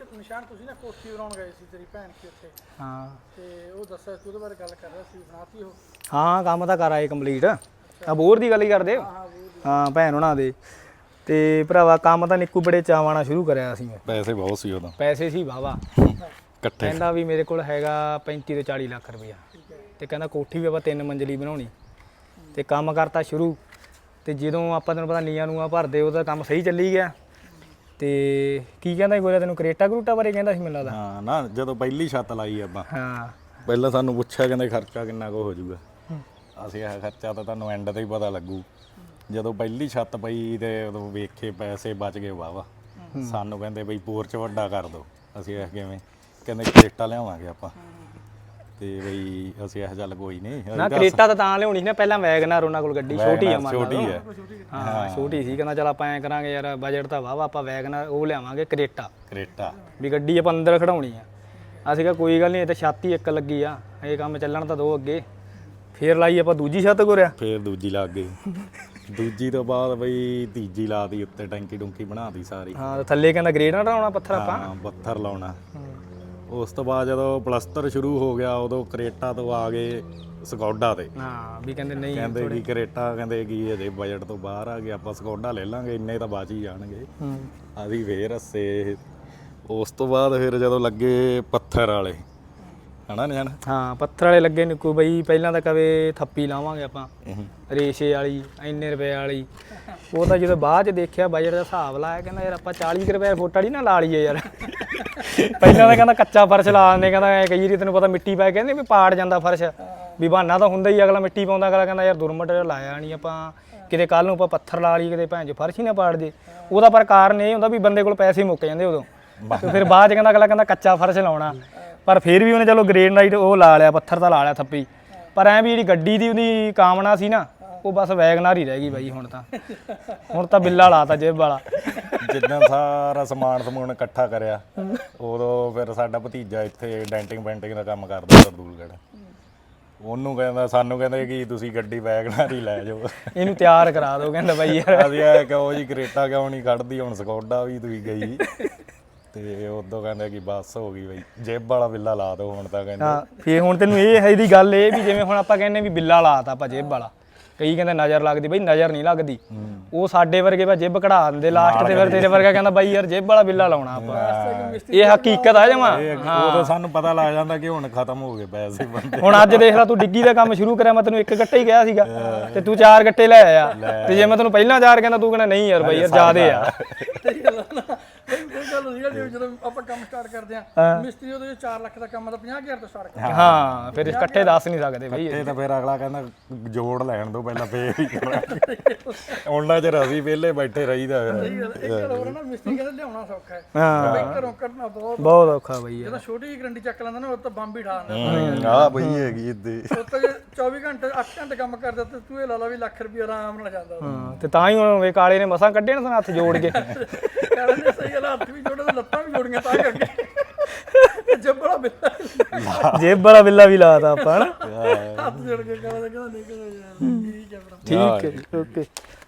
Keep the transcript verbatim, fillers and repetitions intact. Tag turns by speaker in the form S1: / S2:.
S1: ਨਿਸ਼ਾਨ ਤੁਸੀਂ ਨਾ ਕੋਠੀ ਬਣਾਉਣ ਗਏ ਸੀ ਤੇਰੀ ਭੈਣ ਕੀ ਉੱਥੇ
S2: ਹਾਂ
S1: ਤੇ ਉਹ ਦੱਸਿਆ ਸੀ ਉਹਦੇ ਬਾਰੇ ਗੱਲ ਕਰ ਰਿਹਾ ਸੀ ਬਣਾਤੀ ਉਹ
S2: ਹਾਂ ਕੰਮ ਤਾਂ ਕਰ ਆਏ ਕੰਪਲੀਟ ਆ ਬੋਰ ਦੀ ਗੱਲ ਹੀ ਕਰਦੇ ਹਾਂ ਭੈਣ ਉਹਨਾਂ ਦੇ ਤੇ ਭਰਾਵਾ ਕੰਮ ਤਾਂ ਨਿੱਕੂ ਬੜੇ ਚਾਵਾਂ ਨਾਲ ਸ਼ੁਰੂ ਕਰਿਆ ਸੀ ਮੈਂ
S3: ਪੈਸੇ ਬਹੁਤ ਸੀ ਉਦੋਂ
S2: ਪੈਸੇ ਸੀ ਵਾਵਾ
S3: ਇਕੱਠੇ
S2: ਕਹਿੰਦਾ ਵੀ ਮੇਰੇ ਕੋਲ ਹੈਗਾ ਪੈਂਤੀ ਤੋਂ ਚਾਲੀ ਲੱਖ ਰੁਪਇਆ ਤੇ ਕਹਿੰਦਾ ਕੋਠੀ ਵੀ ਆਪਾਂ ਤਿੰਨ ਮੰਜ਼ਲੀ ਬਣਾਉਣੀ ਤੇ ਕੰਮ ਕਰਤਾ ਸ਼ੁਰੂ ਤੇ ਜਦੋਂ ਆਪਾਂ ਤੈਨੂੰ ਪਤਾ ਨੀਆਂ ਨੂਆਂ ਭਰਦੇ ਉਹਦਾ ਕੰਮ ਸਹੀ ਚੱਲੀ ਗਿਆ ਤੇ ਕੀ ਕਹਿੰਦਾ ਸੀ ਗੋਰਿਆ ਤੈਨੂੰ ਕਰੇਟਾ ਕਰੂਟਾ ਬਾਰੇ ਕਹਿੰਦਾ ਸੀ ਮੈਨੂੰ ਲੱਗਦਾ
S3: ਹਾਂ ਨਾ ਜਦੋਂ ਪਹਿਲੀ ਛੱਤ ਲਾਈ ਆਪਾਂ
S2: ਹਾਂ
S3: ਪਹਿਲਾਂ ਸਾਨੂੰ ਪੁੱਛਿਆ ਕਹਿੰਦੇ ਖਰਚਾ ਕਿੰਨਾ ਕੁ ਹੋ ਜਾਊਗਾ ਅਸੀਂ ਇਹ ਖਰਚਾ ਤਾਂ ਤੁਹਾਨੂੰ ਐਂਡ ਤੇ ਹੀ ਪਤਾ ਲੱਗੂ ਜਦੋਂ ਪਹਿਲੀ ਛੱਤ ਪਈ ਤੇ ਉਦੋਂ ਵੇਖੇ ਪੈਸੇ ਬਚ ਗਏ ਵਾਵਾ ਸਾਨੂੰ ਕਹਿੰਦੇ ਬਈ ਪੋਰਚ ਵੱਡਾ ਕਰ ਦੋ ਅਸੀਂ ਇਹ ਕਿਵੇਂ ਕਹਿੰਦੇ ਕਰੇਟਾ ਲਿਆਵਾਂਗੇ ਆਪਾਂ ਤੇ ਬਈ ਅਸੀਂ ਇਹ ਚੱਲ ਕੋਈ ਨਹੀਂ
S2: ਨਾ ਕਰੇਟਾ ਤਾਂ ਤਾਂ ਲਿਆਉਣੀ ਸੀ ਨਾ ਪਹਿਲਾਂ ਵੈਗਨਰ ਉਹਨਾਂ ਕੋਲ ਗੱਡੀ ਛੋਟੀ ਆ ਮੰਨ
S3: ਛੋਟੀ ਹੈ
S2: ਹਾਂ ਛੋਟੀ ਸੀ ਕਹਿੰਦਾ ਚਲ ਆਪਾਂ ਐਂ ਕਰਾਂਗੇ ਯਾਰ ਬਜਟ ਤਾਂ ਵਾਵਾ ਆਪਾਂ ਵੈਗਨਰ ਉਹ ਲਿਆਵਾਂਗੇ ਕਰੇਟਾ
S3: ਕਰੇਟਾ
S2: ਵੀ ਗੱਡੀ ਆਪਾਂ ਅੰਦਰ ਖੜਾਉਣੀ ਆ ਅਸੀਂ ਕਿਹਾ ਕੋਈ ਗੱਲ ਨਹੀਂ ਇਹ ਤਾਂ ਛੱਤ ਹੀ ਇੱਕ ਲੱਗੀ ਆ ਇਹ ਕੰਮ ਚੱਲਣ ਤਾਂ ਦੋ ਅੱਗੇ ਫੇਰ ਲਾਈ ਆਪਾਂ ਦੂਜੀ ਛੱਤ ਗੋਰਿਆ
S3: ਫੇਰ ਦੂਜੀ ਲੱਗ ਗਈ ਦੂਜੀ ਤੋਂ ਬਾਅਦ ਬਈ ਤੀਜੀ ਲਾਤੀ ਉੱਤੇ ਟੈਂਕੀ ਟੁੰਕੀ ਬਣਾਤੀ ਸਾਰੀ
S2: ਹਾਂ ਥੱਲੇ ਕਹਿੰਦਾ ਗ੍ਰੇਡ ਨਾ ਲਾਉਣਾ ਪੱਥਰ ਆਪਾਂ
S3: ਹਾਂ ਪੱਥਰ ਲਾਉਣਾ ਉਸ ਤੋਂ ਬਾਅਦ ਜਦੋਂ ਪਲਸਤਰ ਸ਼ੁਰੂ ਹੋ ਗਿਆ ਉਦੋਂ ਕਰੇਟਾ ਤੋਂ ਆ ਗਏ ਸਕੌਡਾ ਤੇ
S2: ਹਾਂ ਵੀ ਕਹਿੰਦੇ ਨਹੀਂ
S3: ਕਹਿੰਦੇ ਕਿ ਕਰੇਟਾ ਕਹਿੰਦੇ ਕੀ ਇਹਦੇ ਬਜਟ ਤੋਂ ਬਾਹਰ ਆ ਗਿਆ ਆਪਾਂ ਸਕੌਡਾ ਲੈ ਲਾਂਗੇ ਇੰਨੇ ਤਾਂ ਬਚ ਹੀ ਜਾਣਗੇ ਅਸੀਂ ਫੇਰ ਹੱਸੇ ਉਸ ਤੋਂ ਬਾਅਦ ਫਿਰ ਜਦੋਂ ਲੱਗੇ ਪੱਥਰ ਵਾਲੇ ਹਨਾ ਨਿਆਣ
S2: ਹਾਂ ਪੱਥਰ ਵਾਲੇ ਲੱਗੇ ਨਿੱਕੂ ਬਈ ਪਹਿਲਾਂ ਤਾਂ ਕਵੇ ਥੱਪੀ ਲਾਵਾਂਗੇ ਆਪਾਂ ਰੇਸ਼ੇ ਵਾਲੀ ਇੰਨੇ ਰੁਪਏ ਵਾਲੀ ਉਹ ਤਾਂ ਜਦੋਂ ਬਾਅਦ ਚ ਦੇਖਿਆ ਬਜਟ ਦਾ ਹਿਸਾਬ ਲਾਇਆ ਕਹਿੰਦਾ ਯਾਰ ਆਪਾਂ ਚਾਲੀ ਰੁਪਏ ਫੁੱਟ ਵਾਲੀ ਨਾ ਲਾ ਲਈਏ ਯਾਰ ਪਹਿਲਾਂ ਤਾਂ ਕਹਿੰਦਾ ਕੱਚਾ ਫਰਸ਼ ਲਾ ਦਿੰਦੇ ਕਹਿੰਦਾ ਕਈ ਵਾਰੀ ਤੈਨੂੰ ਪਤਾ ਮਿੱਟੀ ਪਾ ਕਹਿੰਦੇ ਵੀ ਪਾੜ ਜਾਂਦਾ ਫਰਸ਼ ਵੀ ਬਹਾਨਾ ਤਾਂ ਹੁੰਦਾ ਹੀ ਅਗਲਾ ਮਿੱਟੀ ਪਾਉਂਦਾ ਅਗਲਾ ਕਹਿੰਦਾ ਯਾਰ ਦੁਰਮਟ ਲਾਇਆ ਨਹੀਂ ਆਪਾਂ ਕਿਤੇ ਕੱਲ ਨੂੰ ਆਪਾਂ ਪੱਥਰ ਲਾ ਲਈਏ ਕਿਤੇ ਭੈਣ ਚ ਫਰਸ਼ ਹੀ ਨਾ ਪਾੜ ਜੇ ਉਹਦਾ ਪਰ ਕਾਰਨ ਇਹ ਹੁੰਦਾ ਵੀ ਬੰਦੇ ਕੋਲ ਪੈਸੇ ਮੁੱਕ ਜਾਂਦੇ ਉਦੋਂ ਤੇ ਫਿਰ ਬਾਅਦ ਚ ਕਹਿੰਦਾ ਅਗਲਾ ਕਹਿੰਦਾ ਕੱਚਾ ਫਰਸ਼ ਲਾਉਣਾ ਪਰ ਫਿਰ ਵੀ ਉਹਨੇ ਚਲੋ ਗ੍ਰੇਨਾਈਟ ਉਹ ਲਾ ਲਿਆ ਪੱਥਰ ਤਾਂ ਲਾ ਲਿਆ ਥੱਪੀ ਪਰ ਐਂ ਵੀ ਜਿਹੜੀ ਗੱਡੀ ਦੀ ਉਹਦੀ ਕਾਮਨਾ ਸੀ ਨਾ ਉਹ ਬਸ ਵੈਗਨਾਰ ਹੀ ਰਹਿ ਗਈ ਬਾਈ ਹੁਣ ਤਾਂ ਹੁਣ ਤਾਂ ਬਿੱਲਾ ਲਾਤਾ ਜੇਬ ਵਾਲਾ
S3: ਜਿੱਦਾਂ ਸਾਰਾ ਸਮਾਨ ਸਮੂਨ ਇਕੱਠਾ ਕਰਿਆ ਉਦੋਂ ਫਿਰ ਸਾਡਾ ਭਤੀਜਾ ਇੱਥੇ ਡੈਂਟਿੰਗ ਪੈਂਟਿੰਗ ਦਾ ਕੰਮ ਕਰਦਾ ਸਰਦੂਲਗੜ੍ਹ ਉਹਨੂੰ ਕਹਿੰਦਾ ਸਾਨੂੰ ਕਹਿੰਦੇ ਕਿ ਤੁਸੀਂ ਗੱਡੀ ਵੈਗਨਾਰ ਹੀ ਲੈ ਜਾਓ
S2: ਇਹਨੂੰ ਤਿਆਰ ਕਰਾ ਦਿਓ ਕਹਿੰਦਾ ਬਾਈ ਯਾਰ
S3: ਅਸੀਂ ਇਹ ਕਹੋ ਜੀ ਕਰੇਟਾ ਕਿਉਂ ਨਹੀਂ ਕੱਢਦੀ ਹੁਣ ਸਕੌਡਾ ਵੀ ਤੁਸੀਂ ਗਈ ਤੇ ਉਦੋਂ ਕਹਿੰਦੇ ਕਿ ਬੱਸ ਹੋ ਗਈ ਬਈ ਜੇਬ ਵਾਲਾ ਬਿੱਲਾ ਲਾ ਦਿਓ ਹੁਣ ਤਾਂ ਕਹਿੰਦੇ
S2: ਹਾਂ ਫੇਰ ਹੁਣ ਤੈਨੂੰ ਇਹ ਹੈ ਦੀ ਗੱਲ ਇਹ ਵੀ ਜਿਵੇਂ ਹੁਣ ਆਪਾਂ ਕਹਿੰਦੇ ਵੀ ਬਿੱਲਾ ਲਾਤਾ ਆਪਾਂ ਜੇਬ ਵਾਲਾ ਕਈ ਕਹਿੰਦੇ ਨਜ਼ਰ ਲੱਗਦੀ ਬਈ ਨਜ਼ਰ ਨਹੀਂ ਲੱਗਦੀ ਉਹ ਸਾਡੇ ਵਰਗੇ ਵਾ ਜੇਬ ਕਢਾ ਦਿੰਦੇ ਲਾਸਟ ਤੇ ਫਿਰ ਤੇਰੇ ਵਰਗਾ ਕਹਿੰਦਾ ਬਾਈ ਯਾਰ ਜੇਬ ਵਾਲਾ ਬਿੱਲਾ ਲਾਉਣਾ ਆਪਾਂ ਇਹ ਹਕੀਕਤ ਆ ਜਮਾ
S3: ਉਦੋਂ ਸਾਨੂੰ ਪਤਾ ਲੱਗ ਜਾਂਦਾ ਕਿ ਹੁਣ ਖਤਮ ਹੋ ਗਏ ਪੈਸੇ ਬੰਦੇ
S2: ਹੁਣ ਅੱਜ ਦੇਖ ਲੈ ਤੂੰ ਡਿੱਗੀ ਦਾ ਕੰਮ ਸ਼ੁਰੂ ਕਰਿਆ ਮੈਂ ਤੈਨੂੰ ਇੱਕ ਗੱਟਾ ਹੀ ਕਿਹਾ ਸੀਗਾ ਤੇ ਤੂੰ ਚਾਰ ਗੱਟੇ ਲੈ ਆਇਆ ਤੇ ਜੇ ਮੈਂ ਤੈਨੂੰ ਪਹਿਲਾਂ ਚਾਰ ਕਹਿੰਦਾ ਤੂੰ ਕਹਿੰਦਾ ਨਹੀਂ ਯਾਰ ਬਾਈ ਯਾਰ ਜ਼ਿਆਦੇ ਆ
S1: ਸਹੀ ਗੱਲ ਆ ਨਾ ਕੋਈ ਗੱਲ ਹੁੰਦੀ ਆ ਜਦੋਂ ਆਪਾਂ ਕੰਮ ਸਟਾਰਟ ਕਰਦੇ ਆ ਮਿਸਤਰੀ ਉਹਦੇ ਚਾਰ ਲੱਖ ਦਾ ਕੰਮ ਤਾਂ ਪੰਜਾਹ ਹਜ਼ਾਰ ਤੋਂ ਸਟਾਰਟ ਕਰਦੇ
S2: ਹਾਂ ਫਿਰ ਇਕੱਠੇ ਦੱਸ ਨਹੀਂ ਸਕਦੇ ਬਈ
S3: ਇਹ ਤਾਂ ਫਿਰ ਅਗਲਾ ਕਹਿੰਦਾ ਜੋੜ ਲੈਣ ਦੋ ਪਹਿਲਾਂ ਫੇਰ ਹੀ ਕਰਾਂਗੇ ਉਹਨਾਂ ਚਿਰ ਅਸੀਂ ਵਿਹਲੇ ਬੈਠੇ ਰਹੀਦਾ ਫਿਰ
S1: ਇੱਕ ਗੱਲ ਹੋਰ ਨਾ ਮਿਸਤਰੀ ਕਹਿੰਦਾ ਲਿਆਉਣਾ ਸੌਖਾ ਹੈ
S2: ਹਾਂ
S1: ਬਈ ਘਰੋਂ ਕੱਢਣਾ ਬਹੁਤ
S2: ਬਹੁਤ ਔਖਾ ਬਈ ਯਾਰ
S1: ਜਦੋਂ ਛੋਟੀ ਜਿਹੀ ਗਰੰਟੀ ਚੱਕ ਲੈਂਦਾ ਨਾ ਉਹ ਤਾਂ ਬੰਬ ਹੀ ਠਾ ਦਿੰਦਾ
S3: ਆਹ ਬਈ ਹੈਗੀ ਇੱਦੇ
S1: ਉਹ ਤਾਂ ਜੇ ਚੌਵੀ ਘੰਟੇ ਅੱਠ ਘੰਟੇ ਕੰਮ ਕਰਦਾ ਤੇ ਤੂੰ ਇਹ ਲਾ ਲਾ ਵੀ ਲੱਖ ਰੁਪਏ ਆਰਾਮ ਨਾਲ ਜਾਂਦਾ
S2: ਹਾਂ ਤੇ ਤਾਂ ਹੀ ਹੁਣ ਵੇ ਕਾਲੇ ਨੇ ਮਸਾਂ ਕੱਢੇ ਨਾ ਹੱਥ ਜੋੜ ਕੇ
S1: ਕਹਿੰਦੇ ਸਹੀ ਗੱਲ ਹੱਥ ਵੀ ਜੋੜੇ ਤੇ ਲੱਤਾਂ ਵੀ ਜੋੜੀਆਂ ਤਾਂ ਕਰਕੇ ਜੱਬੜਾ ਬਿੱਲਾ
S2: ਜੇਬ ਵਾਲਾ ਬਿੱਲਾ ਵੀ ਲਾਤਾ ਆਪਾਂ ਹਨਾ
S1: ਹੱਥ ਜੋੜ ਕੇ ਕਹਿੰਦਾ ਕਹਿੰਦਾ ਨਹੀਂ ਕਹਿੰਦਾ ਯਾਰ ਠੀਕ ਹੈ ਭਰਾ
S2: ਠੀਕ ਹੈ ਓਕੇ